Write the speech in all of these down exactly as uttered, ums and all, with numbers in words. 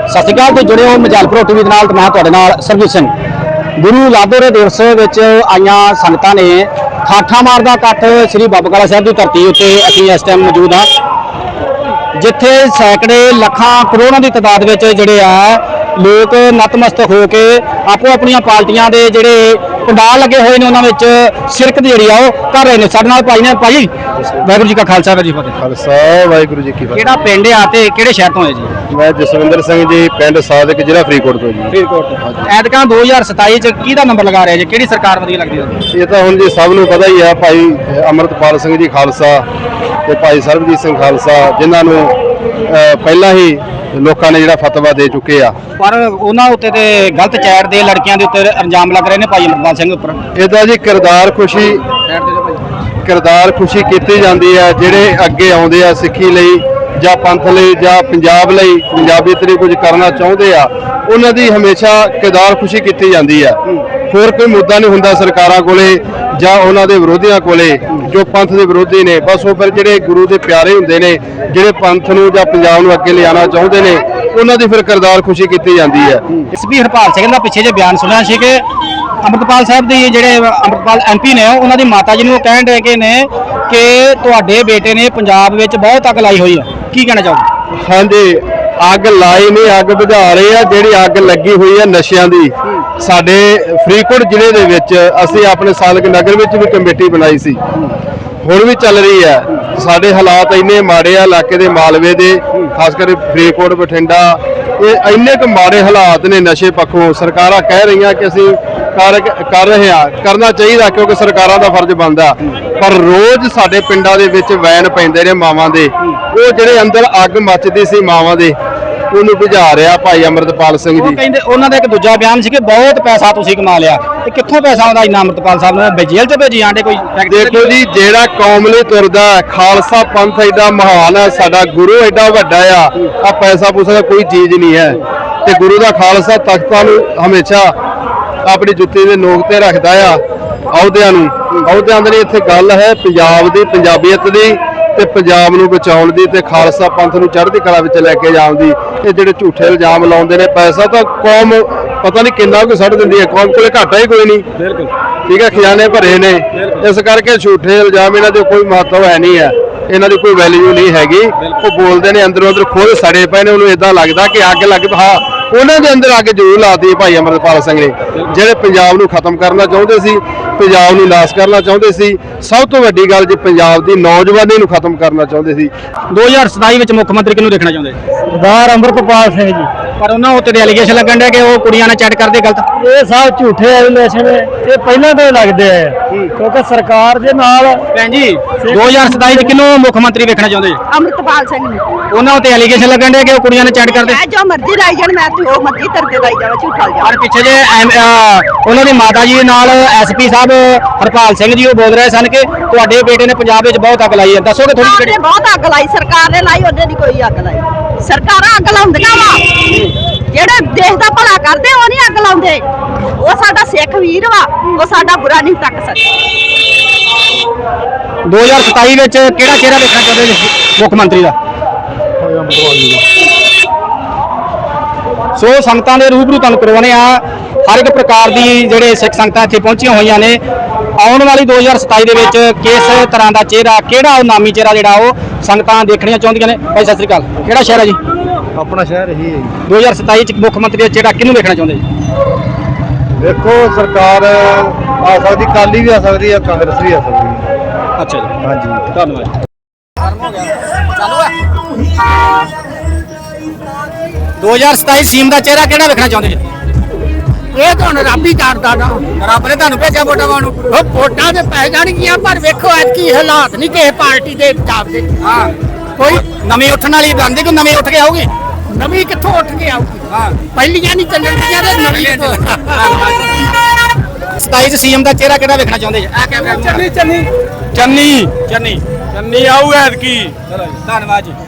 ਸਤਿ ਸ਼੍ਰੀ ਅਕਾਲ। ਤੇ ਜੁੜੇ ਹੋ ਮਜਾਲਪੁਰ ਟੀਵੀ ਦੇ ਨਾਲ ਤੇ ਮੈਂ ਤੁਹਾਡੇ ਨਾਲ ਸਰਬਜੀਤ ਸਿੰਘ। ਗੁਰੂ ਲਾਦੋਰੇ ਦਿਵਸ ਵਿੱਚ ਆਈਆਂ ਸੰਗਤਾਂ ਨੇ ਠਾਠਾਂ ਮਾਰਦਾ ਇਕੱਠ ਸ੍ਰੀ ਬਾਬਾ ਕਾਲਾ ਸਾਹਿਬ ਦੀ ਧਰਤੀ ਉੱਤੇ ਅਸੀਂ ਇਸ ਟਾਈਮ ਮੌਜੂਦ ਹਾਂ, ਜਿੱਥੇ ਸੈਂਕੜੇ ਲੱਖਾਂ ਕਰੋੜਾਂ ਦੀ ਤਾਦਾਦ ਵਿੱਚ ਜਿਹੜੇ ਆ ਲੋਕ ਨਤਮਸਤਕ ਹੋ ਕੇ ਆਪੋ ਆਪਣੀਆਂ ਪਾਰਟੀਆਂ ਦੇ ਜਿਹੜੇ ਪੰਡਾਲ ਲੱਗੇ ਹੋਏ ਨੇ ਉਹਨਾਂ ਵਿੱਚ ਸ਼ਿਰਕਤ ਜਿਹੜੀ ਆ ਉਹ ਕਰ ਰਹੇ ਨੇ। ਸਾਡੇ ਨਾਲ ਭਾਈ ਨੇ। ਭਾਈ ਵਾਹਿਗੁਰੂ ਜੀ ਕਾ ਖਾਲਸਾ ਵਾਹਿਗੁਰੂ ਜੀ ਕੀ ਫਤਿਹ। ਖਾਲਸਾ ਵਾਹਿਗੁਰੂ ਜੀ ਕੀ ਫਤਿਹ। ਕਿਹੜਾ ਪਿੰਡ ਆ ਤੇ ਕਿਹੜੇ ਸ਼ਹਿਰ ਤੋਂ ਹੈ ਜੀ? ਮੈਂ ਜਸਵਿੰਦਰ ਸਿੰਘ ਜੀ, ਪਿੰਡ ਸਾਦਿਕ, ਜ਼ਿਲ੍ਹਾ ਫਰੀਦਕੋਟ ਤੋਂ ਜੀ। ਫਰੀਦਕੋਟ ਤੋਂ। ਐਤਕਾਂ ਦੋ ਹਜ਼ਾਰ ਸਤਾਈ ਚ ਕਿਹਦਾ ਨੰਬਰ ਲਗਾ ਰਿਹਾ ਜੀ? ਕਿਹੜੀ ਸਰਕਾਰ ਵਧੀਆ ਲੱਗਦੀ ਹੈ? ਇਹ ਤਾਂ ਹੁਣ ਜੀ ਸਭ ਨੂੰ ਪਤਾ ਹੀ ਆ, ਭਾਈ ਅਮਰਤਪਾਲ ਸਿੰਘ ਜੀ ਖਾਲਸਾ ਤੇ ਭਾਈ ਸਰਬਜੀਤ ਸਿੰਘ ਖਾਲਸਾ, ਜਿਨ੍ਹਾਂ ਨੂੰ ਪਹਿਲਾਂ ਹੀ ਲੋਕਾਂ ਨੇ ਜਿਹੜਾ ਫਤਵਾ ਦੇ ਚੁੱਕੇ ਆ, ਪਰ ਉਹਨਾਂ ਉੱਤੇ ਤੇ ਗਲਤ ਚੈਟ ਦੇ ਲੜਕੀਆਂ ਦੇ ਉੱਤੇ ਇਲਜ਼ਾਮ ਲੱਗ ਰਹੇ ਨੇ ਭਾਈ ਅਮਰਪਾਲ ਸਿੰਘ ਉੱਪਰ। ਇਹਦਾ ਜੀ ਕਿਰਦਾਰ ਖੁਸ਼ੀ ਕਿਰਦਾਰ ਖੁਸ਼ੀ ਕੀਤੀ ਜਾਂਦੀ ਹੈ। ਜਿਹੜੇ ਅੱਗੇ ਆਉਂਦੇ ਆ ਸਿੱਖੀ ਲਈ ਜਾਂ ਪੰਥ ਲਈ ਜਾਂ ਪੰਜਾਬ ਲਈ ਪੰਜਾਬੀਅਤ ਲਈ ਕੁਝ ਕਰਨਾ ਚਾਹੁੰਦੇ ਆ, ਉਹਨਾਂ ਦੀ ਹਮੇਸ਼ਾ ਕਿਰਦਾਰ ਖੁਸ਼ੀ ਕੀਤੀ ਜਾਂਦੀ ਆ। ਹੋਰ ਕੋਈ ਮੁੱਦਾ ਨਹੀਂ ਹੁੰਦਾ ਸਰਕਾਰਾਂ ਕੋਲੇ ਜਾਂ ਉਹਨਾਂ ਦੇ ਵਿਰੋਧੀਆਂ ਕੋਲੇ ਜੋ ਪੰਥ ਦੇ ਵਿਰੋਧੀ ਨੇ। ਬਸ ਉਹ ਫਿਰ ਜਿਹੜੇ ਗੁਰੂ ਦੇ ਪਿਆਰੇ ਹੁੰਦੇ ਨੇ, ਜਿਹੜੇ ਪੰਥ ਨੂੰ ਜਾਂ ਪੰਜਾਬ ਨੂੰ ਅੱਗੇ ਲਿਆਉਣਾ ਚਾਹੁੰਦੇ ਨੇ, ਉਹਨਾਂ ਦੀ ਫਿਰ ਕਿਰਦਾਰ ਖੁਸ਼ੀ ਕੀਤੀ ਜਾਂਦੀ ਹੈ। ਇਸ ਵੀ ਹਰਪਾਲ ਸਿੰਘ ਦਾ ਪਿੱਛੇ ਜੇ ਬਿਆਨ ਸੁਣਿਆ ਸੀ ਕਿ ਅਮਰਪਾਲ ਸਾਹਿਬ ਦੇ ਜਿਹੜੇ ਅਮਰਪਾਲ ਐਮ ਪੀ ਨੇ ਉਹਨਾਂ ਦੀ ਮਾਤਾ ਜੀ ਨੂੰ ਉਹ ਕਹਿਣ ਰਹੇ ਨੇ ਕਿ ਤੁਹਾਡੇ ਬੇਟੇ ਨੇ ਪੰਜਾਬ ਵਿੱਚ ਬਹੁਤ ਅੱਗ ਲਾਈ ਹੋਈ ਹੈ, ਕੀ ਕਹਿਣਾ ਚਾਹੋਗੇ? ਹਾਂਜੀ, ਅੱਗ ਲਾਈ ਨਹੀਂ, ਅੱਗ ਬੁਝਾ ਰਹੇ ਆ। ਜਿਹੜੀ ਅੱਗ ਲੱਗੀ ਹੋਈ ਹੈ ਨਸ਼ਿਆਂ ਦੀ, ਸਾਡੇ ਫਰੀਦਕੋਟ ਜ਼ਿਲ੍ਹੇ ਦੇ ਵਿੱਚ ਅਸੀਂ ਆਪਣੇ ਸਾਲਕ ਨਗਰ ਵਿੱਚ ਵੀ ਕਮੇਟੀ ਬਣਾਈ ਸੀ, ਹੁਣ ਵੀ ਚੱਲ ਰਹੀ ਹੈ। ਸਾਡੇ ਹਾਲਾਤ ਇੰਨੇ ਮਾੜੇ ਆ ਇਲਾਕੇ ਦੇ, ਮਾਲਵੇ ਦੇ, ਖਾਸ ਕਰਕੇ ਫਰੀਦਕੋਟ, ਬਠਿੰਡਾ, ਇਹ ਇੰਨੇ ਕੁ ਮਾੜੇ ਹਾਲਾਤ ਨੇ ਨਸ਼ੇ ਪੱਖੋਂ। ਸਰਕਾਰਾਂ ਕਹਿ ਰਹੀਆਂ ਕਿ ਅਸੀਂ ਕਰ ਕਰ ਰਹੇ ਹਾਂ, ਕਰਨਾ ਚਾਹੀਦਾ ਕਿਉਂਕਿ ਸਰਕਾਰਾਂ ਦਾ ਫਰਜ਼ ਬਣਦਾ, ਪਰ ਰੋਜ਼ ਸਾਡੇ ਪਿੰਡਾਂ ਦੇ ਵਿੱਚ ਵੈਨ ਪੈਂਦੇ ਨੇ ਮਾਵਾਂ ਦੇ। ਉਹ ਜਿਹੜੇ ਅੰਦਰ ਅੱਗ ਮੱਚਦੀ ਸੀ ਮਾਵਾਂ ਦੇ, ਉਹਨੂੰ ਬੁਝਾ ਰਿਹਾ ਭਾਈ ਅਮਰਤਪਾਲ ਸਿੰਘ ਜੀ। ਕਹਿੰਦੇ ਉਹਨਾਂ ਦਾ ਇੱਕ ਦੂਜਾ ਬਿਆਨ ਸੀ ਕਿ ਬਹੁਤ ਪੈਸਾ ਤੁਸੀਂ ਕਮਾ ਲਿਆ, ਤੇ ਕਿੱਥੋਂ ਪੈਸਾ ਆਉਂਦਾ ਇੰਨਾ? ਅਮਰਤਪਾਲ ਸਾਹਿਬ ਨੂੰ ਜੇਲ੍ਹ 'ਚ ਭੇਜੀ ਆਂਡੇ ਕੋਈ? ਦੇਖੋ ਜੀ, ਜਿਹੜਾ ਕੌਮ ਲਈ ਤੁਰਦਾ, ਖਾਲਸਾ ਪੰਥ ਐਡਾ ਮਹਾਨ ਹੈ, ਸਾਡਾ ਗੁਰੂ ਐਡਾ ਵੱਡਾ ਆ, ਆ ਪੈਸਾ ਪੂਸਾ ਦਾ ਕੋਈ ਚੀਜ਼ ਨਹੀਂ ਹੈ। ਤੇ ਗੁਰੂ ਦਾ ਖਾਲਸਾ ਤਖਤਾਂ ਨੂੰ ਹਮੇਸ਼ਾ ਆਪਣੀ ਜੁੱਤੀ ਦੇ ਨੋਕ ਤੇ ਰੱਖਦਾ ਆ, ਅਹੁਦਿਆਂ ਨੂੰ। ਅਹੁਦਿਆਂ ਦੀ ਇੱਥੇ ਗੱਲ ਹੈ ਪੰਜਾਬ ਦੀ, ਪੰਜਾਬੀਅਤ ਦੀ, ਤੇ ਪੰਜਾਬ ਨੂੰ ਬਚਾਉਣ ਦੀ, ਤੇ ਖਾਲਸਾ ਪੰਥ ਨੂੰ ਚੜ੍ਹਦੀ ਕਲਾ ਵਿੱਚ ਲੈ ਕੇ ਜਾਣ ਦੀ। ਇਹ ਜਿਹੜੇ ਝੂਠੇ ਇਲਜ਼ਾਮ ਲਾਉਂਦੇ ਨੇ, ਪੈਸਾ ਤਾਂ ਕੌਮ ਪਤਾ ਨਹੀਂ ਕਿੰਨਾ ਕੁ ਛੱਡ ਦਿੰਦੀ ਹੈ, ਕੌਮ ਕੋਲੇ ਘਾਟਾ ਹੀ ਕੋਈ ਨਹੀਂ। ਬਿਲਕੁਲ ਠੀਕ ਹੈ, ਖਜ਼ਾਨੇ ਭਰੇ ਨੇ, ਇਸ ਕਰਕੇ ਝੂਠੇ ਇਲਜ਼ਾਮ ਇਹਨਾਂ ਦੇ ਕੋਈ ਮਹੱਤਵ ਹੈ ਨਹੀਂ ਹੈ, ਇਹਨਾਂ ਦੀ ਕੋਈ ਵੈਲਿਊ ਨਹੀਂ ਹੈਗੀ। ਉਹ ਬੋਲਦੇ ਨੇ ਅੰਦਰੋਂ ਅੰਦਰ ਖੁਦ ਸੜੇ ਪਏ ਨੇ, ਉਹਨੂੰ ਇਦਾਂ ਲੱਗਦਾ ਕਿ ਅੱਗ ਲੱਗ। ਹਾਂ, ਉਹਨਾਂ ਦੇ ਅੰਦਰ ਅੱਗ ਜ਼ਰੂਰ ਲਾਤੀ ਭਾਈ ਅਮਰਪਾਲ ਸਿੰਘ ਨੇ, ਜਿਹੜੇ ਪੰਜਾਬ ਨੂੰ ਖਤਮ ਕਰਨਾ ਚਾਹੁੰਦੇ ਸੀ, ਪੰਜਾਬ ਨੂੰ ਨਾਸ ਕਰਨਾ ਚਾਹੁੰਦੇ ਸੀ। ਸਭ ਤੋਂ ਵੱਡੀ ਗੱਲ ਜੀ, ਪੰਜਾਬ ਦੀ ਨੌਜਵਾਨੀ ਨੂੰ ਖਤਮ ਕਰਨਾ ਚਾਹੁੰਦੇ ਸੀ। ਦੋ ਹਜ਼ਾਰ ਸਤਾਈ ਵਿੱਚ ਮੁੱਖ ਮੰਤਰੀ ਕਿਹਨੂੰ ਦੇਖਣਾ ਚਾਹੁੰਦੇ? ਸਰਦਾਰ ਅਮਰਪਾਲ ਸਿੰਘ ਜੀ। ਪਰ ਉਹਨਾਂ ਉੱਤੇ ਐਲੀਗੇਸ਼ਨ ਲੱਗਣ ਡਿਆ ਕਿ ਉਹ ਕੁੜੀਆਂ ਨਾਲ ਚੈਟ ਕਰਦੇ ਗਲਤ। ਇਹ ਸਭ ਝੂਠੇ ਐਲੀਗੇਸ਼ਨ ਇਹ ਪਹਿਲਾਂ ਤੋਂ ਹੀ ਲੱਗਦੇ ਆ, ਕਿਉਂਕਿ ਸਰਕਾਰ ਦੇ ਨਾਲ। ਭੈਣ ਜੀ, ਦੋ ਹਜ਼ਾਰ ਸਤਾਈ ਚ ਕਿਹਨੂੰ ਮੁੱਖ ਮੰਤਰੀ ਵੇਖਣਾ ਚਾਹੁੰਦੇ? ਅਮਰਪਾਲ ਸਿੰਘ ਨੂੰ। ਉਹਨਾਂ ਉੱਤੇ ਐਲੀਗੇਸ਼ਨ ਲੱਗਣ ਡਿਆ ਕਿ ਉਹ ਕੁੜੀਆਂ ਨਾਲ ਚੈਟ ਕਰਦੇ। ਮੈਂ ਜੋ ਮਰਜ਼ੀ ਲਾਈ ਜਾਣ, ਮੈਂ ਤੇ ਉਹ ਮਰਜ਼ੀ ਤਰਦੇ ਲਾਈ ਜਾਵਾਂ, ਝੂਠਾ ਜਾ। ਪਰ ਪਿੱਛੇ ਜੇ ਉਹਨਾਂ ਦੀ ਮਾਤਾ ਜੀ ਨਾਲ ਐਸਪੀ ਸਾਹਿਬ ਹਰਪਾਲ ਸਿੰਘ ਜੀ ਉਹ ਬੋਲ ਰਹੇ ਸਨ ਕਿ ਤੁਹਾਡੇ ਬੇਟੇ ਨੇ ਪੰਜਾਬ ਵਿੱਚ ਬਹੁਤ ਅੱਗ ਲਾਈ ਹੈ, ਦੱਸੋਗੇ ਥੋੜੀ ਸਰਕਾਰ ਨੇ ਬਹੁਤ ਅੱਗ ਲਾਈ, ਸਰਕਾਰ ਨੇ ਲਾਈ, ਉਹਦੇ ਦੀ ਕੋਈ ਅੱਗ ਲਾਈ। ਸਰਕਾਰਾਂ ਅੱਗ ਲਾਉਂਦੀਆਂ ਵਾ, ਜਿਹੜੇ ਦੇਸ਼ ਦਾ ਭਲਾ ਕਰਦੇ ਉਹ ਨਹੀਂ ਅੱਗ ਲਾਉਂਦੇ। ਉਹ ਸਾਡਾ ਸਿੱਖ ਵੀਰ ਵਾ, ਉਹ ਸਾਡਾ ਬੁਰਾ ਨਹੀਂ ਤੱਕ ਸਕਦਾ। ਦੋ ਹਜ਼ਾਰ ਸਤਾਈ ਵਿੱਚ ਕਿਹੜਾ ਚਿਹਰਾ ਵੇਖਣਾ ਚਾਹੁੰਦੇ ਜੀ ਮੁੱਖ ਮੰਤਰੀ ਦਾ? ਸੋ ਸੰਗਤਾਂ ਦੇ ਰੂਬਰੂ ਤੁਹਾਨੂੰ ਕਰਵਾਉਣੇ ਆ, ਹਰ ਇੱਕ ਪ੍ਰਕਾਰ ਦੀ ਜਿਹੜੇ ਸਿੱਖ ਸੰਗਤਾਂ ਇੱਥੇ ਪਹੁੰਚੀਆਂ ਹੋਈਆਂ ਨੇ। ਆਉਣ ਵਾਲੀ ਦੋ ਹਜ਼ਾਰ ਸਤਾਈ ਦੇ ਵਿੱਚ ਕਿਸ ਤਰ੍ਹਾਂ ਦਾ ਚਿਹਰਾ, ਕਿਹੜਾ ਉਹ ਨਾਮੀ ਚਿਹਰਾ ਜਿਹੜਾ ਉਹ ਸੰਗਤਾਂ ਦੇਖਣੀਆਂ ਚਾਹੁੰਦੀਆਂ ਨੇ? ਭਾਈ ਸਤਿ ਸ੍ਰੀ ਅਕਾਲ, ਕਿਹੜਾ ਸ਼ਹਿਰ ਹੈ ਜੀ? ਆਪਣਾ ਸ਼ਹਿਰ ਇਹੀ ਹੈ ਜੀ। ਦੋ ਹਜ਼ਾਰ ਸਤਾਈ ਚ ਮੁੱਖ ਮੰਤਰੀ ਦਾ ਚਿਹਰਾ ਕਿਹਨੂੰ ਵੇਖਣਾ ਚਾਹੁੰਦੇ ਜੀ? ਦੇਖੋ, ਸਰਕਾਰ ਆ ਸਕਦੀ, ਕਾਲੀ ਵੀ ਆ ਸਕਦੀ ਹੈ, ਕਾਂਗਰਸ ਵੀ ਆ ਸਕਦੀ ਹੈ। ਅੱਛਾ ਜੀ, ਹਾਂਜੀ, ਧੰਨਵਾਦ। ਦੋ ਹਜ਼ਾਰ ਸਤਾਈ ਸੀਮ ਦਾ ਚਿਹਰਾ ਕਿਹੜਾ ਵੇਖਣਾ ਚਾਹੁੰਦੇ ਜੀ? ਇਹ ਤਾਂ ਹੁਣ ਰੱਬ ਹੀ ਕਰਦਾ ਨਾ, ਰੱਬ ਨੇ ਤੁਹਾਨੂੰ ਭੇਜਿਆ ਵੋਟਾਂ ਪਾਉਣ ਨੂੰ। ਉਹ ਵੋਟਾਂ ਤੇ ਪੈ ਜਾਣਗੀਆਂ, ਪਰ ਵੇਖੋ ਐਤਕੀ ਹਾਲਾਤ ਨਹੀਂ ਕਿਸੇ ਪਾਰਟੀ ਦੇ ਹਿਸਾਬ ਦੇ। ਹਾਂ, ਕੋਈ ਨਵੀਂ ਉੱਠਣ ਵਾਲੀ ਬਣਦੀ ਕਿ ਨਵੀਂ ਉੱਠ ਕੇ ਆਊਗੀ? ਨਵੀਂ ਕਿੱਥੋਂ ਉੱਠ ਕੇ ਆਊਗੀ? ਹਾਂ, ਪਹਿਲੀਆਂ ਨਹੀਂ ਚੱਲਣਗੀਆਂ ਤੇ ਨਵੀਂ ਤੋਂ। ਸਤਾਈ ਚ ਸੀਐਮ ਦਾ ਚਿਹਰਾ ਕਿਹੜਾ ਵੇਖਣਾ ਚਾਹੁੰਦੇ ਜੀ? ਆ ਕੈਮਰਾ ਚੰਨੀ ਚੰਨੀ ਚੰਨੀ ਚੰਨੀ ਚੰਨੀ ਆਊ ਐਤਕੀ। ਧੰਨਵਾਦ ਜੀ।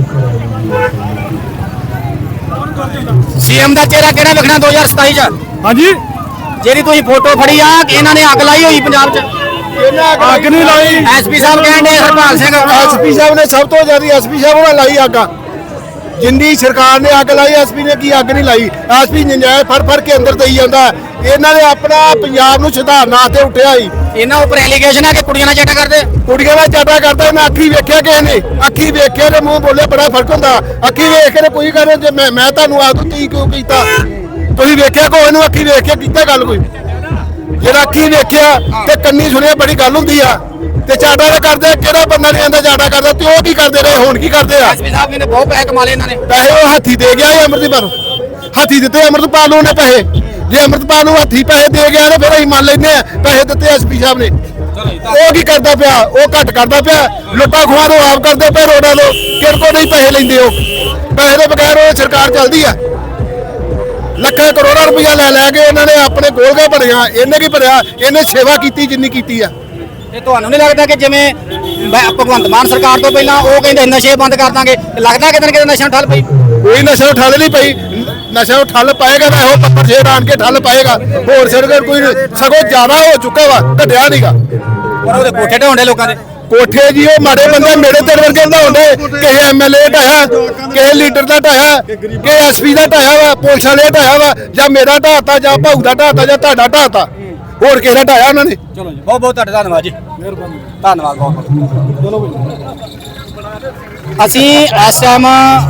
ਸੀਐਮ ਦਾ ਚਿਹਰਾ ਕਿਹੜਾ ਵੇਖਣਾ ਦੋ ਹਜ਼ਾਰ ਸਤਾਈ ਚ? ਹਾਂਜੀ, ਜਿਹੜੀ ਤੁਸੀਂ ਫੋਟੋ ਫੜੀ ਆ, ਇਹਨਾਂ ਨੇ ਅੱਗ ਲਾਈ ਹੋਈ ਪੰਜਾਬ ਚ। ਅੱਗ ਨਹੀਂ ਲਾਈ। ਐਸਪੀ ਸਾਹਿਬ ਕਹਿੰਦੇ ਹਰਪਾਲ ਸਿੰਘ ਐਸਪੀ ਸਾਹਿਬ ਨੇ ਸਭ ਤੋਂ ਜ਼ਿਆਦਾ ਐਸਪੀ ਸਾਹਿਬ ਨੇ ਲਾਈ ਅੱਗ। ਜਿੰਨੀ ਸਰਕਾਰ ਨੇ ਅੱਗ ਲਾਈ ਐਸਪੀ ਨੇ ਕੀ ਅੱਗ ਨਹੀਂ ਲਾਈ। ਐਸਪੀ ਨਜਾਇਜ਼ ਫੜ ਫੜ ਕੇ ਅੰਦਰ ਦੇਈ ਜਾਂਦਾ। ਇਹਨਾਂ ਨੇ ਆਪਣਾ ਪੰਜਾਬ ਨੂੰ ਸੁਧਾਰਨਾ ਤੇ ਉੱਠਿਆ ਹੀ। ਇਹਨਾਂ ਉੱਪਰ ਐਲੀਗੇਸ਼ਨ ਹੈ ਕਿ ਕੁੜੀਆਂ ਨਾਲ ਚਾਟਾ ਕਰਦੇ। ਕੁੜੀਆਂ ਦਾ ਚਾਟਾ ਕਰਦਾ ਇਹਨਾਂ ਅੱਖੀ ਵੇਖਿਆ ਕਿਸੇ ਨੇ, ਅੱਖੀ ਵੇਖਿਆ ਤੇ ਮੂੰਹ ਬੋਲੇ ਬੜਾ ਫਰਕ ਹੁੰਦਾ। ਅੱਖੀ ਵੇਖ ਕੇ ਕੋਈ ਕਰੇ ਜੇ ਮੈਂ ਮੈਂ ਤੁਹਾਨੂੰ ਆਖ ਦੂੰ ਕੀ ਕਿਉਂ ਕੀਤਾ, ਤੁਸੀਂ ਵੇਖਿਆ ਕੋਈ ਨੂੰ ਅੱਖੀ ਵੇਖ ਕੇ ਕੀਤਾ ਗੱਲ ਕੋਈ? ਜਿਹੜਾ ਅੱਖੀ ਵੇਖਿਆ ਤੇ ਕੰਨੀ ਸੁਣਿਆ ਬੜੀ ਗੱਲ ਹੁੰਦੀ ਆ। ਤੇ ਚਾਟਾ ਦਾ ਕਰਦੇ ਕਿਹੜਾ ਬੰਦਾ ਨਹੀਂ ਆਂਦਾ ਚਾਟਾ ਕਰਦਾ ਤੇ ਉਹ ਕੀ ਕਰਦੇ ਰਹੇ ਹੁਣ ਕੀ ਕਰਦੇ ਆ? ਐਸਪੀ ਸਾਹਿਬ ਨੇ ਬਹੁਤ ਪੈਸੇ ਕਮਾ ਲਏ ਇਹਨਾਂ ਨੇ। ਪੈਸੇ ਉਹ ਹੱਥੀ ਦੇ ਗਿਆ ਇਹ ਅੰਮ੍ਰਿਤਪਾਲ ਹੱਥੀ ਦਿੱਤੇ ਅੰਮ੍ਰਿਤਪਾਲ ਨੂੰ ਨੇ ਪੈਸੇ। ਜੇ ਅੰਮ੍ਰਿਤਪਾਲ ਨੂੰ ਹੱਥੀ ਪੈਸੇ ਦੇ ਗਿਆ ਤੇ ਫਿਰ ਅਸੀਂ ਮੰਨ ਲੈਂਦੇ ਆ ਪੈਸੇ ਦਿੱਤੇ ਐਸਪੀ ਸਾਹਿਬ ਨੇ। ਉਹ ਕੀ ਕਰਦਾ ਪਿਆ? ਉਹ ਘੱਟ ਕਰਦਾ ਪਿਆ। ਲੁੱਟਾ ਖੋਹਾਂ ਤੋਂ ਆਪ ਕਰਦੇ ਪਏ ਰੋਡਾਂ ਤੋਂ, ਕਿਹੜੇ ਕੋਲ ਨਹੀਂ ਪੈਸੇ ਲੈਂਦੇ। ਉਹ ਪੈਸੇ ਦੇ ਬਗੈਰ ਉਹ ਸਰਕਾਰ ਚੱਲਦੀ ਆ। ਲੱਖਾਂ ਕਰੋੜਾਂ ਰੁਪਇਆ ਲੈ ਲੈ ਕੇ ਇਹਨਾਂ ਨੇ ਆਪਣੇ ਗੋਲਗਾ ਭਰਿਆ। ਇਹਨੇ ਕੀ ਭਰਿਆ? ਇਹਨੇ ਸੇਵਾ ਕੀਤੀ ਜਿੰਨੀ ਕੀਤੀ ਆ। ਤੇ ਤੁਹਾਨੂੰ ਨਹੀਂ ਲੱਗਦਾ ਕਿ ਜਿਵੇਂ ਬ- ਭਗਵੰਤ ਮਾਨ ਸਰਕਾਰ ਤੋਂ ਪਹਿਲਾਂ ਉਹ ਕਹਿੰਦੇ ਨਸ਼ੇ ਬੰਦ ਕਰ ਦਾਂਗੇ, ਲੱਗਦਾ ਕਿਤੇ ਨਾ ਕਿਤੇ ਨਸ਼ਾ ਠੱਲ ਪਈ? ਕੋਈ ਨਸ਼ਾ ਠੱਲ ਨਹੀਂ ਪਈ। ਨਸ਼ਾ ਠੱਲ ਪਾਏਗਾ ਤਾਂ ਇਹੋ ਪੱਪਰ ਸ਼ੇਰ ਆਣ ਕੇ ਠੱਲ ਪਾਏਗਾ। ਹੋਰ ਸਰਕਾਰ ਕੋਈ ਸਗੋਂ ਜ਼ਿਆਦਾ ਹੋ ਚੁੱਕਾ ਵਾ, ਘਟਿਆ ਨਹੀਂਗਾ। ਪਰ ਉਹਦੇ ਕੋਠੇ ਢਾਉਂਦੇ ਲੋਕਾਂ ਦੇ। ਕੋਠੇ ਜੀ ਉਹ ਮਾੜੇ ਬੰਦੇ ਮੇਰੇ ਤੇਰੇ ਵਰਗੇ ਢਾਉਂਦੇ। ਕਿਸੇ ਐਮਐਲਏ ਢਾਇਆ, ਕਿਸੇ ਲੀਡਰ ਦਾ ਢਾਇਆ, ਕਿਸੇ ਐਸਪੀ ਦਾ ਢਾਇਆ ਵਾ, ਪੁਲਿਸ ਵਾਲੇ ਢਾਇਆ ਵਾ, ਜਾਂ ਮੇਰਾ ਢਾਤਾ ਜਾਂ ਭਾਊ ਦਾ ਢਾਤਾ ਜਾਂ ਤੁਹਾਡਾ ਢਾਤਾ। ਹੋਰ ਕਿਸੇ ਦਾ ਢਾਇਆ ਉਹਨਾਂ ਨੇ? ਚਲੋ ਜੀ, ਬਹੁਤ ਬਹੁਤ ਤੁਹਾਡਾ ਧੰਨਵਾਦ ਜੀ। ਮਿਹਰਬਾਨੀ, ਧੰਨਵਾਦ ਬਹੁਤ ਬਹੁਤ। ਚਲੋ ਅਸੀਂ ਇਸ ਟਾਈਮ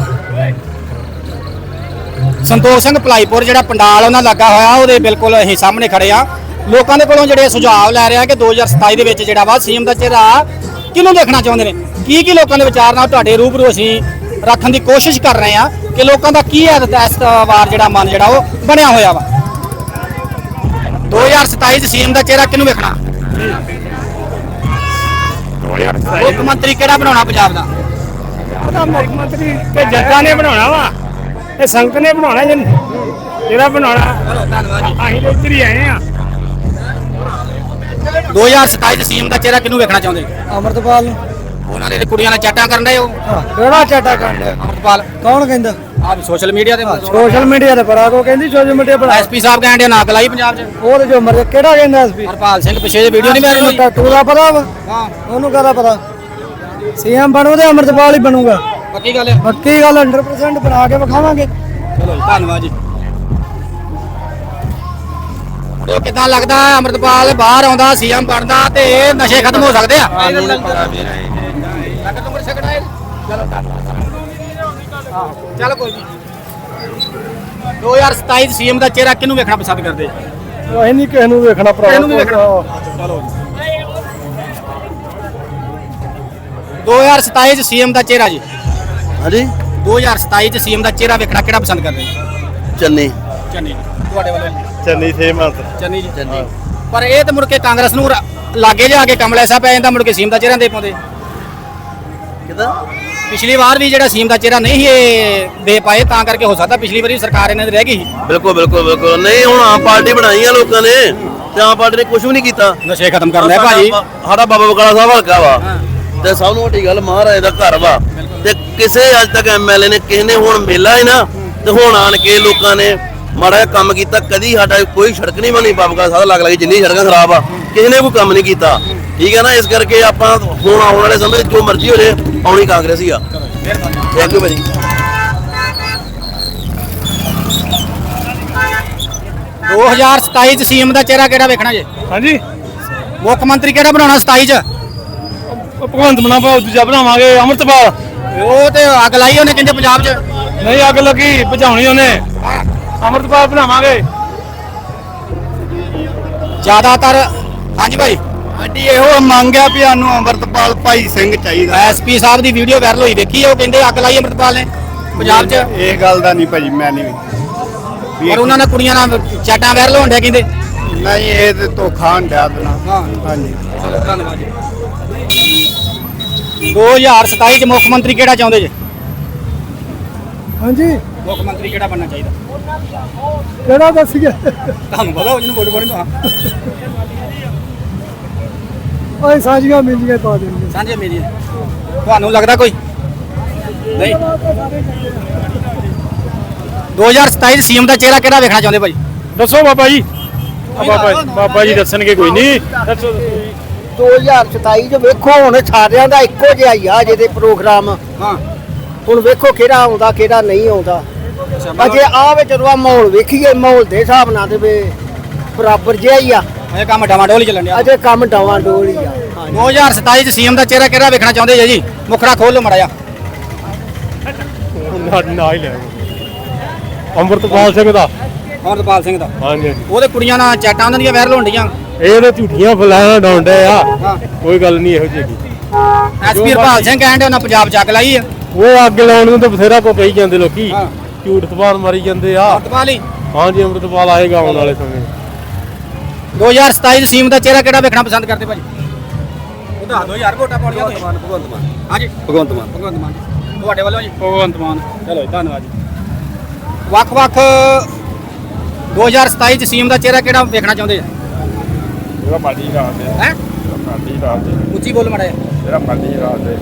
ਸੰਤੋਖ ਸਿੰਘ ਭਲਾਈਪੁਰ ਜਿਹੜਾ ਪੰਡਾਲ ਉਹਨਾਂ ਲੱਗਾ ਹੋਇਆ ਉਹਦੇ ਬਿਲਕੁਲ ਅਸੀਂ ਸਾਹਮਣੇ ਖੜੇ ਆ। ਲੋਕਾਂ ਦੇ ਕੋਲੋਂ ਜਿਹੜੇ ਸੁਝਾਅ ਲੈ ਰਿਹਾ ਕਿ ਦੋ ਹਜ਼ਾਰ ਸਤਾਈ ਦੇ ਵਿੱਚ ਜਿਹੜਾ ਵਾ ਸੀਐਮ ਦਾ ਚਿਹਰਾ ਕਿਹਨੂੰ ਦੇਖਣਾ ਚਾਹੁੰਦੇ ਨੇ, ਕੀ ਕੀ ਲੋਕਾਂ ਦੇ ਵਿਚਾਰ ਨਾਲ ਤੁਹਾਡੇ ਰੂਬਰੂ ਅਸੀਂ ਰੱਖਣ ਦੀ ਕੋਸ਼ਿਸ਼ ਕਰ ਰਹੇ ਆ ਕਿ ਲੋਕਾਂ ਦਾ ਕੀ ਹੈ ਇਸ ਵਾਰ ਜਿਹੜਾ ਮਨ ਜਿਹੜਾ ਉਹ ਬਣਿਆ ਹੋਇਆ ਵਾ। ਦੋ ਹਜ਼ਾਰ ਸਤਾਈ ਚ ਸੀਐਮ ਦਾ ਚਿਹਰਾ ਕਿਹਨੂੰ ਵੇਖਣਾ? ਮੁੱਖ ਮੰਤਰੀ ਕਿਹੜਾ ਬਣਾਉਣਾ ਪੰਜਾਬ ਦਾ? ਉਹਦਾ ਮੁੱਖ ਮੰਤਰੀ ਤੇ ਜੱਜਾਂ ਨੇ ਬਣਾਉਣਾ ਵਾ, ਇਹ ਸੰਗਤ ਨੇ ਬਣਾਉਣਾ। ਜਿਹੜਾ ਬਣਾਉਣਾ ਧੰਨਵਾਦ ਜੀ। ਅਸੀਂ ਤਾਂ ਇੱਧਰ ਹੀ ਆਏ ਆ। ਦੋ ਹਜ਼ਾਰ ਸਤਾਈ ਚ ਸੀਐਮ ਦਾ ਚਿਹਰਾ ਕਿਹਨੂੰ ਵੇਖਣਾ ਚਾਹੁੰਦੇ? ਅੰਮ੍ਰਿਤਪਾਲ ਨੂੰ। ਉਹਨਾਂ ਦੇ ਕੁੜੀਆਂ ਨਾਲ ਚਾਟਾਂ ਕਰਨ ਦੇ ਉਹ ਕਿਹੜਾ ਚਾਟਾ ਕਰਨ ਡਿਆ? ਅੰਮ੍ਰਿਤਪਾਲ ਕੌਣ ਕਹਿੰਦਾ? ਆਪ ਸੋਸ਼ਲ ਮੀਡੀਆ ਤੇ ਸੋਸ਼ਲ ਮੀਡੀਆ ਤੇ ਬੜਾ ਕੋ ਕਹਿੰਦੀ ਸੋਸ਼ਲ ਮੀਡੀਆ ਬੜਾ। ਐਸਪੀ ਸਾਹਿਬ ਕਹਿੰਦੇ ਨਾ ਕਲਾਈ ਪੰਜਾਬ ਚ। ਉਹ ਤੇ ਜੋ ਮਰਜ਼ੀ ਕਿਹੜਾ ਕਹਿੰਦਾ ਐਸਪੀ? ਹਰਪਾਲ ਸਿੰਘ ਪਿੱਛੇ ਜੇ ਵੀਡੀਓ ਨਹੀਂ ਮੈਂ ਰਹੀ। ਟੱਟੂ ਦਾ ਪਤਾ ਵਾ? ਹਾਂ, ਉਹਨੂੰ ਕਾਹਦਾ ਪਤਾ? ਸੀਐਮ ਬਣੂ ਤੇ ਅੰਮ੍ਰਿਤਪਾਲ ਹੀ ਬਣੂਗਾ। ਪੱਕੀ ਗੱਲ ਹੈ। ਪੱਕੀ ਗੱਲ ਸੌ ਪਰਸੈਂਟ ਬਣਾ ਕੇ ਵਿਖਾਵਾਂਗੇ। ਚਲੋ ਜੀ, ਧੰਨਵਾਦ ਜੀ। ਉਹ ਕਿਦਾਂ ਲੱਗਦਾ ਅੰਮ੍ਰਿਤਪਾਲ ਬਾਹਰ ਆਉਂਦਾ ਸੀਐਮ ਬਣਦਾ ਤੇ ਨਸ਼ੇ ਖਤਮ ਹੋ ਸਕਦੇ ਆ? ਚਲ ਕੋਈ ਨਹੀਂ। ਦੋ ਹਜ਼ਾਰ ਸਤਾਈ ਸੀਐਮ ਦਾ ਚਿਹਰਾ ਕਿਹਨੂੰ ਵੇਖਣਾ ਪਸੰਦ ਕਰਦੇ? ਅਸੀਂ ਨਹੀਂ ਕਿਸੇ ਨੂੰ ਵੇਖਣਾ ਭਰਾ। ਇਹਨੂੰ ਵੀ ਵੇਖਣਾ। ਚਲੋ ਦੋ ਹਜ਼ਾਰ ਸਤਾਈ ਚ ਸੀਐਮ ਦਾ ਚਿਹਰਾ ਜੀ। ਹਾਂਜੀ ਦੋ ਹਜ਼ਾਰ ਸਤਾਈ ਚ ਸੀਐਮ ਦਾ ਚਿਹਰਾ ਵੇਖਣਾ ਕਿਹੜਾ ਪਸੰਦ ਕਰਦੇ? ਚੰਨੀ ਚੰਨੀ। ਤੁਹਾਡੇ ਵੱਲੋਂ? ਚੰਨੀ ਸੇਮਤ ਚੰਨੀ ਜੀ। ਚੰਨੀ। ਪਰ ਇਹ ਤਾਂ ਮੁੜ ਕੇ ਕਾਂਗਰਸ ਨੂੰ ਰ- ਲਾਗੇ ਜਾ ਕੇ ਕਮਲੇ ਸਾਹਿਬ ਪੈ ਜਾਂਦਾ, ਮੁੜ ਕੇ ਸੀਐਮ ਦਾ ਚਿਹਰਾ ਦੇ ਪਾਉਂਦੇ। ਕਿਦਾਂ? ਪਿਛਲੀ ਵਾਰ ਵੀ ਜਿਹੜਾ ਸੀਐਮ ਦਾ ਚਿਹਰਾ ਨਹੀਂ ਇਹ ਦੇ ਪਾਏ, ਤਾਂ ਕਰਕੇ ਹੋ ਸਕਦਾ ਪਿਛਲੀ ਵਾਰੀ ਸਰਕਾਰ ਇਹਨਾਂ ਦੀ ਰਹਿ ਗਈ ਸੀ। ਬਿਲਕੁਲ ਬਿਲਕੁਲ ਬਿਲਕੁਲ ਨਹੀਂ। ਹੁਣ ਆਮ ਪਾਰਟੀ ਬਣਾਈ ਆ ਲੋਕਾਂ ਨੇ ਤੇ ਆਮ ਪਾਰਟੀ ਨੇ ਕੁਝ ਵੀ ਨਹੀਂ ਕੀਤਾ। ਨਸ਼ੇ ਖਤਮ ਕਰਨ ਲੈ ਭਾਜੀ। ਸਾਡਾ ਬਾਬਾ ਬਕਾਲਾ ਸਾਹਿਬ ਹਲਕਾ ਵਾ ਤੇ ਸਭ ਨੂੰ ਵੱਡੀ ਗੱਲ ਮਹਾਰਾਜ ਦਾ ਘਰ ਵਾ ਤੇ ਕਿਸੇ ਅੱਜ ਤੱਕ ਐਮਐਲਏ ਨੇ ਕਿਸੇ ਨੇ ਹੁਣ ਮੇਲਾ ਹੈ ਨਾ ਤੇ ਹੁਣ ਆਣ ਕੇ ਲੋਕਾਂ ਨੇ ਮਾੜਾ ਜਿਹਾ ਕੰਮ ਕੀਤਾ। ਕਦੀ ਸਾਡਾ ਕੋਈ ਸੜਕ ਨਹੀਂ ਬਣੀ ਬਾਬਾ ਬਕਾਲਾ ਸਾਹਿਬ ਲੱਗ ਲੱਗੀ, ਜਿੰਨੀ ਸੜਕਾਂ ਖਰਾਬ ਆ ਕਿਸੇ ਨੇ ਕੋਈ ਕੰਮ ਨਹੀਂ ਕੀਤਾ। ਠੀਕ ਹੈ ਨਾ, ਇਸ ਕਰਕੇ ਆਪਾਂ ਹੁਣ ਆਉਣ ਵਾਲੇ ਸਮੇਂ ਜੋ ਮਰਜ਼ੀ ਹੋ ਜੇ ਆਉਣੀ ਕਾਂਗਰਸ ਹੀ ਆ। ਥੈਂਕ ਯੂ ਭਾਜੀ। ਦੋ ਹਜ਼ਾਰ ਸਤਾਈ ਚ ਸੀਐਮ ਦਾ ਚਿਹਰਾ ਕਿਹੜਾ ਵੇਖਣਾ ਜੇ? ਹਾਂਜੀ ਮੁੱਖ ਮੰਤਰੀ ਕਿਹੜਾ ਬਣਾਉਣਾ ਸਤਾਈ ਚ? ਭਗਵੰਤ ਮਾਨ ਭਾਉ ਦੂਜਾ ਬਣਾਵਾਂਗੇ ਅੰਮ੍ਰਿਤਪਾਲ। ਉਹ ਤੇ ਅੱਗ ਲਾਈ ਉਹਨੇ ਕਹਿੰਦੇ ਪੰਜਾਬ ਚ। ਨਹੀਂ ਅੱਗ ਲੱਗੀ ਬੁਝਾਉਣੀ ਉਹਨੇ। ਅੰਮ੍ਰਿਤਪਾਲ ਬਣਾਵਾਂਗੇ। ਜ਼ਿਆਦਾਤਰ ਹਾਂਜੀ ਭਾਈ ਸਾਡੀ ਇਹੋ ਮੰਗ ਆ ਵੀ ਸਾਨੂੰ ਅੰਮ੍ਰਿਤਪਾਲ ਭਾਈ ਸਿੰਘ ਚਾਹੀਦਾ। ਐਸਪੀ ਸਾਹਿਬ ਦੀ ਵੀਡੀਓ ਵਾਇਰਲ ਹੋਈ ਵੇਖੀ ਉਹ ਕਹਿੰਦੇ ਅੱਗ ਲਾਈ ਅੰਮ੍ਰਿਤਪਾਲ ਨੇ ਪੰਜਾਬ ਚ। ਇਹ ਗੱਲ ਦਾ ਨਹੀਂ ਭਾਜੀ ਮੈਂ ਨਹੀਂ ਪਰ ਉਹਨਾਂ ਨੇ ਕੁੜੀਆਂ ਨਾਲ ਚਾਟਾਂ ਵਾਇਰਲ ਹੋਣ ਡਿਆ ਕਹਿੰਦੇ। ਨਹੀਂ ਇਹ ਤੇ ਧੋਖਾ ਹੰਡਿਆ ਦੇਣਾ। ਹਾਂ ਹਾਂਜੀ ਚਲੋ ਧੰਨਵਾਦ ਜੀ। ਦੋ ਹਜ਼ਾਰ ਸਤਾਈ ਚ ਮੁੱਖ ਮੰਤਰੀ ਕਿਹੜਾ ਚਾਹੁੰਦੇ ਜੇ? ਹਾਂਜੀ ਮੁੱਖ ਮੰਤਰੀ ਕਿਹੜਾ ਬਣਨਾ ਚਾਹੀਦਾ ਕਿਹੜਾ ਦੱਸੀਏ? ਤੁਹਾਨੂੰ ਪਤਾ ਉਹ ਜਿਹਨੂੰ ਵੋਟ ਪਾਉਣੀ ਤਾਂ ਓਏ ਸਾਂਝੀਆਂ ਮਿਲੀਆਂ ਪਾ ਦੇਣਗੇ। ਸਾਂਝੇ ਮੇਰੀ ਤੁਹਾਨੂੰ ਲੱਗਦਾ ਕੋਈ ਨਹੀਂ? ਦੋ ਹਜ਼ਾਰ ਸਤਾਈ ਸੀਐਮ ਦਾ ਚਿਹਰਾ ਕਿਹੜਾ ਵੇਖਣਾ ਚਾਹੁੰਦੇ ਭਾਈ? ਦੱਸੋ ਬਾਬਾ ਜੀ। ਬਾਬਾ ਬਾਬਾ ਜੀ ਦੱਸਣਗੇ ਕੋਈ ਨਹੀਂ। ਦੱਸੋ ਦੋ ਹਜ਼ਾਰ ਸਤਾਈ ਚ ਵੇਖੋ ਹੁਣ ਸਾਰਿਆਂ ਦਾ ਇੱਕੋ ਜਿਹਾ ਹੀ ਆ ਜਿਹਦੇ ਪ੍ਰੋਗਰਾਮ। ਹਾਂ ਹੁਣ ਵੇਖੋ ਕਿਹੜਾ ਆਉਂਦਾ ਕਿਹੜਾ ਨਹੀਂ ਆਉਂਦਾ ਅਜੇ ਆ ਵਿੱਚ ਜਦੋਂ ਮਾਹੌਲ ਵੇਖੀਏ ਮਾਹੌਲ ਦੇ ਹਿਸਾਬ ਨਾਲ ਤੇ ਵੀ ਬਰਾਬਰ ਜਿਹਾ ਹੀ ਆ ਇਹ ਕੰਮ ਡਾਵਾਡੋਲ ਹੀ ਚੱਲਣ ਡਿਆ ਅਜੇ ਕੰਮ ਡਾਵਾਂ ਡੋਲ ਹੀ ਆ ਦੋ ਹਜ਼ਾਰ ਸਤਾਈ ਚ ਸੀਐਮ ਦਾ ਚਿਹਰਾ ਕਿਹੜਾ ਵੇਖਣਾ ਚਾਹੁੰਦੇ ਜੀ ਜੀ ਮੁਖੜਾ ਖੋਲ ਲਓ ਮੜਾ ਜਾ ਨਾ ਹੀ ਲੈ ਅੰਮ੍ਰਿਤਪਾਲ ਸਿੰਘ ਦਾ ਅਮਰਪਾਲ ਸਿੰਘ ਦਾ ਹਾਂਜੀ ਉਹਦੇ ਕੁੜੀਆਂ ਨਾਲ ਚੈਟਾਂ ਉਹਨਾਂ ਦੀਆਂ ਵਾਇਰਲ ਹੋਣ ਡੀਆਂ ਇਹ ਤਾਂ ਝੂਠੀਆਂ ਫਲਾਣਾ ਡਾਉਂਦੇ ਆ ਹਾਂ ਕੋਈ ਗੱਲ ਨਹੀਂ ਇਹੋ ਜਿਹੀ ਐਸਪੀ ਹਰਪਾਲ ਸਿੰਘ ਕਹਿੰਦੇ ਉਹਨਾਂ ਪੰਜਾਬ ਚ ਅੱਗ ਲਾਈ ਆ ਉਹ ਅੱਗ ਲਾਉਣ ਨੂੰ ਤਾਂ ਬਥੇਰਾ ਕੋ ਕਹੀ ਜਾਂਦੇ ਲੋਕੀ ਹਾਂ ਝੂਠ ਤਬਾਨ ਮਾਰੀ ਜਾਂਦੇ ਆ ਅਮਰਪਾਲ ਹੀ ਹਾਂਜੀ ਅੰਮ੍ਰਿਤਪਾਲ ਆਏਗਾ ਆਉਣ ਵਾਲੇ ਸਮੇਂ ਦੋ ਹਜ਼ਾਰ ਸਤਾਈ ਚ ਸੀਐਮ ਦਾ ਚਿਹਰਾ ਕਿਹੜਾ ਵੇਖਣਾ ਪਸੰਦ ਕਰਦੇ ਭਾਜੀ ਉਹਦਾ ਦੋ ਹਜ਼ਾਰ ਵੋਟਾਂ ਪਾਉਣੀਆਂ ਤੁਸੀਂ ਭਗਵੰਤ ਮਾਨ ਹਾਂਜੀ ਭਗਵੰਤ ਮਾਨ ਭਗਵੰਤ ਮਾਨ ਤੁਹਾਡੇ ਵੱਲੋਂ ਜੀ ਭਗਵੰਤ ਮਾਨ ਚਲੋ ਜੀ ਧੰਨਵਾਦ ਜੀ ਵੱਖ-ਵੱਖ ਦੋ ਹਜ਼ਾਰ ਸਤਾਈ ਚ ਸੀਐਮ ਦਾ ਚਿਹਰਾ ਕਿਹੜਾ ਵੇਖਣਾ ਚਾਹੁੰਦੇ ਆ ਜਿਹੜਾ ਮਰਜੀ ਰਾਤ ਦੇ ਹੈ ਮਰਜੀ ਰਾਤ ਦੇ ਉੱਚੀ ਬੋਲ ਮੜਾ ਜਿਹੜਾ ਮਰਜੀ ਰਾਤ ਦੇ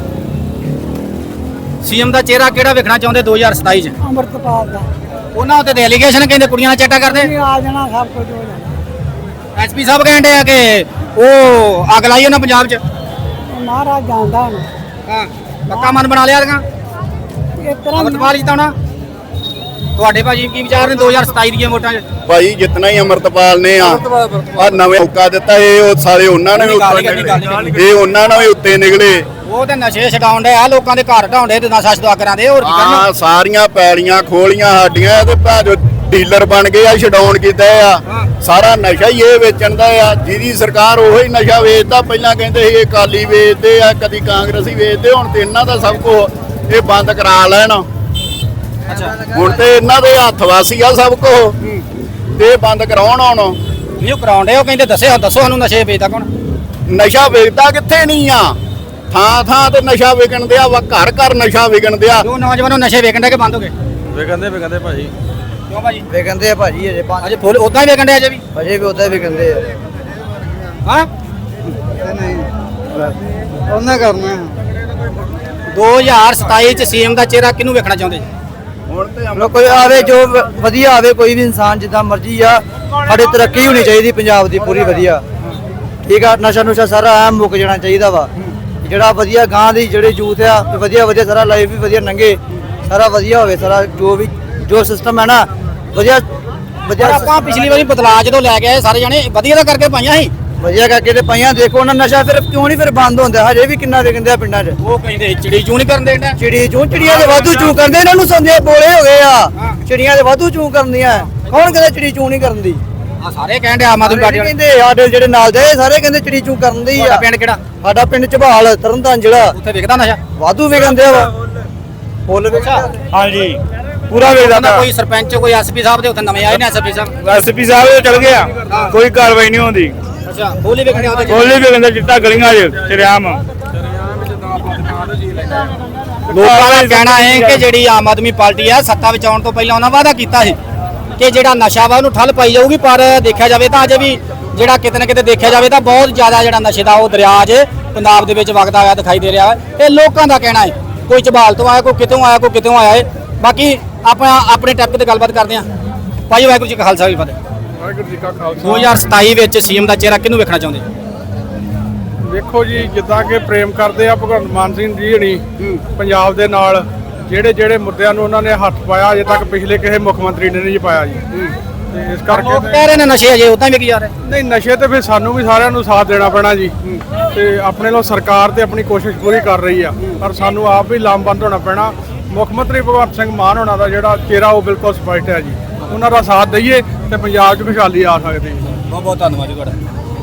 ਸੀਐਮ ਦਾ ਚਿਹਰਾ ਕਿਹੜਾ ਵੇਖਣਾ ਚਾਹੁੰਦੇ ਦੋ ਹਜ਼ਾਰ ਸਤਾਈ ਚ ਅੰਮ੍ਰਿਤਪਾਲ ਦਾ ਉਹਨਾਂ ਉੱਤੇ ਤੇ ਐਲੀਗੇਸ਼ਨ ਕਹਿੰਦੇ ਕੁੜੀਆਂ ਨਾਲ ਚੈਟਾ ਕਰਦੇ ਆ ਜਾਣਾ ਸਭ ਕੁਝ ਹੋ ਜਾਣਾ ਐਸਪੀ ਸਾਹਿਬ ਕਹਿੰਦੇ ਆ ਕਿ ਉਹ ਅੱਗ ਲਾਈ ਉਹਨਾਂ ਪੰਜਾਬ ਚ ਮਹਾਰਾਜ ਜਾਣਦਾ ਹੁਣ ਹਾਂ ਪੱਕਾ ਮਨ ਬਣਾ ਲਿਆ ਦੀਆਂ ਇਸ ਤਰ੍ਹਾਂ ਅਮਰਪਾਲ ਜਿਤਾਉਣਾ ਤੁਹਾਡੇ ਭਾਜੀ ਕੀ ਵਿਚਾਰ ਨੇ ਦੋ ਹਜ਼ਾਰ ਸਤਾਈ ਦੀਆਂ ਵੋਟਾਂ 'ਚ ਭਾਈ ਜਿਤਨਾ ਹੀ ਅਮਰਤਪਾਲ ਨੇ ਆ ਆ ਨਵੇਂ ਮੌਕਾ ਦਿੱਤਾ ਇਹ ਉਹ ਸਾਰੇ ਉਹਨਾਂ ਨੇ ਵੀ ਉੱਤੇ ਨਿਕਲੇ। ਇਹ ਉਹਨਾਂ ਨੇ ਵੀ ਉੱਤੇ ਨਿਕਲੇ ਉਹ ਤੇ ਨਸ਼ੇ ਛਡਾਉਣ ਦੇ ਆ ਲੋਕਾਂ ਦੇ ਘਰ ਢਾਉਂਦੇ ਤੇ ਨਸ਼ਾ ਛਡਾ ਕਰਾਂਦੇ ਹੋਰ ਕੀ ਆ ਕਰਨਾ ਸਾਰੀਆਂ ਪੈਲੀਆਂ ਖੋਲੀਆਂ ਸਾਡੀਆਂ ਤੇ ਭਾਜੋ ਡੀਲਰ ਬਣ ਗਏ ਆ ਛਡਾਉਣ ਕੀਤਾ ਆ ਸਾਰਾ ਨਸ਼ਾ ਹੀ ਇਹ ਵੇਚਣ ਦਾ ਆ ਜਿਹਦੀ ਸਰਕਾਰ ਉਹੋ ਹੀ ਨਸ਼ਾ ਵੇਚਦਾ ਪਹਿਲਾਂ ਕਹਿੰਦੇ ਸੀ ਇਹ ਅਕਾਲੀ ਵੇਚਦੇ ਆ ਕਦੀ ਕਾਂਗਰਸੀ ਵੇਚਦੇ ਹੁਣ ਤੇ ਇਹਨਾਂ ਦਾ ਸਭ ਕੁਝ ਇਹ ਬੰਦ ਕਰਾ ਲੈਣ ਅੱਛਾ ਹੁਣ ਤੇ ਇਹਨਾਂ ਦੇ ਹੱਥ ਵਾਸੀ ਆ ਸਭ ਕੁਝ ਤੇ ਇਹ ਬੰਦ ਕਰਾਉਣ ਹੁਣ ਨਹੀਂ ਉਹ ਕਰਾਉਂਦੇ ਉਹ ਕਹਿੰਦੇ ਦੱਸਿਓ ਦੱਸੋ ਸਾਨੂੰ ਨਸ਼ੇ ਵੇਚਦਾ ਕੌਣ ਨਸ਼ਾ ਵੇਚਦਾ ਕਿੱਥੇ ਨਹੀਂ ਆ ਥਾਂ ਥਾਂ ਤੇ ਨਸ਼ਾ ਵਿਕਣ ਦਿਆ ਵਾ ਘਰ ਘਰ ਨਸ਼ਾ ਵਿਕਣ ਦਿਆ ਜੋ ਨੌਜਵਾਨੋ ਨਸ਼ੇ ਵੇਚਣ ਦੇ ਕਿ ਬੰਦ ਹੋ ਗਏ ਵਿਕੰਦੇ ਵਿਕੰਦੇ ਭਾਜੀ ਕਿਉਂ ਭਾਜੀ ਵੇਖੰਦੇ ਆ ਭਾਜੀ ਅਜੇ ਪੰਜ ਅਜੇ ਫੁੱਲ ਉਦਾਂ ਹੀ ਵੇਚਣ ਦੇ ਅਜੇ ਵੀ ਅਜੇ ਵੀ ਉਦਾਂ ਵੇਖੰਦੇ ਆ ਹਾਂ ਨਹੀਂ ਉਹਨਾਂ ਕਰਨਾ ਦੋ ਹਜ਼ਾਰ ਸਤਾਈ ਚ ਸੀਐਮ ਦਾ ਚਿਹਰਾ ਕਿਹਨੂੰ ਵੇਖਣਾ ਚਾਹੁੰਦੇ ਹੁਣ ਤੇ ਲੋ ਕੋਈ ਆਵੇ ਜੋ ਵ- ਵਧੀਆ ਆਵੇ ਕੋਈ ਵੀ ਇਨਸਾਨ ਜਿੱਦਾਂ ਮਰਜ਼ੀ ਆ ਸਾਡੇ ਤਰੱਕੀ ਹੋਣੀ ਚਾਹੀਦੀ ਪੰਜਾਬ ਦੀ ਪੂਰੀ ਵਧੀਆ ਠੀਕ ਆ ਨਸ਼ਾ ਨੁਸ਼ਾ ਸਾਰਾ ਐ ਮੁੱਕ ਜਾਣਾ ਚਾਹੀਦਾ ਵਾ ਜਿਹੜਾ ਵਧੀਆ ਗਾਂ ਦੀ ਜਿਹੜੇ ਯੂਥ ਆ ਵੀ ਵਧੀਆ ਵਧੀਆ ਸਾਰਾ ਲਾਈਫ ਵੀ ਵਧੀਆ ਲੰਘੇ ਸਾਰਾ ਵਧੀਆ ਹੋਵੇ ਸਾਰਾ ਜੋ ਵੀ ਜੋ ਸਿਸਟਮ ਹੈ ਨਾ ਵਧੀਆ ਵਧੀਆ ਪਰ ਆਪਾਂ ਪਿਛਲੀ ਵਾਰੀ ਬਦਲਾਅ ਜਦੋਂ ਲੈ ਕੇ ਆਏ ਸਾਰੇ ਜਣੇ ਵਧੀਆ ਤਾਂ ਕਰਕੇ ਪਾਈਆਂ ਸੀ ਵਧੀਆ ਕਰਕੇ ਤੇ ਪਈਆਂ ਦੇਖੋ ਉਹਨਾਂ ਨਸ਼ਾ ਫਿਰ ਕਿਉਂ ਨਹੀਂ ਫਿਰ ਬੰਦ ਹੁੰਦਾ ਹਜੇ ਵੀ ਕਿੰਨਾ ਵਿਕਦੇ ਆ ਪਿੰਡਾਂ 'ਚ ਉਹ ਕਹਿੰਦੇ ਚਿੜੀ ਚੂੰ ਨਹੀਂ ਕਰਨ ਦੇਣਾ ਚਿੜੀ ਚੂੰ ਚਿੜੀਆਂ ਦੇ ਵਾਧੂ ਚੂੰ ਕਰਦੇ ਇਹਨਾਂ ਨੂੰ ਸੰਦੇ ਬੋਲੇ ਹੋ ਗਏ ਆ ਚਿੜੀਆਂ ਦੇ ਵਾਧੂ ਚੂੰ ਕਰਦੀਆਂ ਕੌਣ ਕਹਿੰਦਾ ਚਿੜੀ ਚੂੰ ਨਹੀਂ ਕਰਨ ਦੀ ਆ ਸਾਰੇ ਕਹਿੰਦੇ ਆਮ ਆਦਮੀ ਪਾਰਟੀ ਵਾਲੇ ਕਹਿੰਦੇ ਸਾਡੇ ਜਿਹੜੇ ਨਾਲ ਦੇ ਸਾਰੇ ਕਹਿੰਦੇ ਚਿੜੀ ਚੂੰ ਕਰਨ ਦੀ ਤੁਹਾਡਾ ਆ ਪਿੰਡ ਕਿਹੜਾ ਸਾਡਾ ਪਿੰਡ ਝਬਾਲ ਤਰਨਤਾਰਨ ਜ਼ਿਲ੍ਹਾ ਉੱਥੇ ਵਿਕਦਾ ਨਸ਼ਾ ਵਾਧੂ ਵਿਕਦੇ ਵਾ ਫੁੱਲ ਵਿਕਦਾ ਹਾਂਜੀ ਪੂਰਾ ਉਹਦਾ ਕੋਈ ਸਰਪੰਚ ਕੋਈ ਐਸਪੀ ਸਾਹਿਬ ਦੇ ਉੱਥੇ ਨਵੇਂ ਆਏ ਨੇ ਐਸਪੀ ਸਾਹਿਬ ਐਸਪੀ ਸਾਹਿਬ ਚਲ ਗਿਆ ਕੋਈ ਕਾਰਵਾਈ ਨਹੀਂ ਹੁੰਦੀ ਅੱਛਾ ਬੋਲੀ ਵੇਖਣੇ ਆਉਂਦੇ ਗੋਲੀ ਵੀ ਕਹਿੰਦਾ ਚਿੱਟਾ ਗਲੀਆਂ 'ਚ ਚਰਿਆਮ ਲੋਕਾਂ ਦਾ ਕਹਿਣਾ ਹੈ ਕਿ ਜਿਹੜੀ ਆਮ ਆਦਮੀ ਪਾਰਟੀ ਆ ਸੱਤਾ ਵਿੱਚ ਆਉਣ ਤੋਂ ਪਹਿਲਾਂ ਉਹਨਾਂ ਵਾਅਦਾ ਕੀਤਾ ਸੀ ਕਿ ਜਿਹੜਾ ਨਸ਼ਾ ਵਾ ਉਹਨੂੰ ਠੱਲ ਪਾਈ ਜਾਊਗੀ ਪਰ ਦੇਖਿਆ ਜਾਵੇ ਤਾਂ ਅਜੇ ਵੀ ਜਿਹੜਾ ਕਿਤੇ ਨਾ ਕਿਤੇ ਦੇਖਿਆ ਜਾਵੇ ਤਾਂ ਬਹੁਤ ਜ਼ਿਆਦਾ ਜਿਹੜਾ ਨਸ਼ੇ ਦਾ ਉਹ ਦਰਿਆ ਅੱਜ ਪੰਜਾਬ ਦੇ ਵਿੱਚ ਵਗਦਾ ਹੋਇਆ ਦਿਖਾਈ ਦੇ ਰਿਹਾ ਹੈ ਇਹ ਲੋਕਾਂ ਦਾ ਕਹਿਣਾ ਹੈ ਕੋਈ ਝਬਾਲ ਤੋਂ ਆਇਆ ਕੋਈ ਕਿਤੋਂ ਆਇਆ ਕੋਈ ਕਿਤੋਂ ਆਇਆ ਹੈ ਬਾਕੀ ਆਪਾਂ ਆਪਣੇ ਟੱਪ ਤੇ ਗੱਲਬਾਤ ਕਰਦੇ ਹਾਂ ਭਾਈ ਵਾਹਿਗੁਰੂ ਜੀ ਕਾ ਖਾਲਸਾ ਵੀ ਫਤਿਹ ਵਾਹਿਗੁਰੂ ਜੀ ਕਾ ਖਾਲਸਾ ਦੋ ਹਜ਼ਾਰ ਸਤਾਈ ਵਿੱਚ ਸੀਐਮ ਦਾ ਚਿਹਰਾ ਕਿਹਨੂੰ ਵੇਖਣਾ ਚਾਹੁੰਦੇ ਵੇਖੋ ਜੀ ਜਿੱਦਾਂ ਕਿ ਪ੍ਰੇਮ ਕਰਦੇ ਆ ਭਗਵੰਤ ਮਾਨ ਸਿੰਘ ਜੀ ਹਣੀ ਪੰਜਾਬ ਦੇ ਨਾਲ ਜਿਹੜੇ ਜਿਹੜੇ ਮੁੱਦਿਆਂ ਨੂੰ ਉਹਨਾਂ ਨੇ ਹੱਥ ਪਾਇਆ ਅਜੇ ਤੱਕ ਪਿਛਲੇ ਕਿਸੇ ਮੁੱਖ ਮੰਤਰੀ ਨੇ ਨਹੀਂ ਪਾਇਆ ਜੀ ਤੇ ਇਸ ਲੋਕ ਕਰਕੇ ਕਹਿ ਰਹੇ ਨੇ ਨਸ਼ੇ ਅਜੇ ਉਦਾਂ ਵੀ ਕੀ ਜਾ ਰਹੇ ਨਹੀਂ ਨਸ਼ੇ ਤੇ ਫਿਰ ਸਾਨੂੰ ਵੀ ਸਾਰਿਆਂ ਨੂੰ ਸਾਥ ਦੇਣਾ ਪੈਣਾ ਜੀ ਤੇ ਆਪਣੇ ਲੋ ਸਰਕਾਰ ਤੇ ਆਪਣੀ ਕੋਸ਼ਿਸ਼ ਪੂਰੀ ਕਰ ਰਹੀ ਆ ਪਰ ਸਾਨੂੰ ਆਪ ਵੀ ਲਾਮਬੰਦ ਹੋਣਾ ਪੈਣਾ ਮੁੱਖ ਮੰਤਰੀ ਭਗਵੰਤ ਸਿੰਘ ਮਾਨ ਹੋਣਾ ਦਾ ਜਿਹੜਾ ਚਿਹਰਾ ਉਹ ਬਿਲਕੁਲ ਸਪਸ਼ਟ ਹੈ ਜੀ ਉਹਨਾਂ ਦਾ ਸਾਥ ਦਈਏ ਤੇ ਪੰਜਾਬ 'ਚ ਖੁਸ਼ਹਾਲੀ ਆ ਸਕਦੀ ਹੈ ਬਹੁਤ ਬਹੁਤ ਧੰਨਵਾਦ ਜੀ ਤੁਹਾਡਾ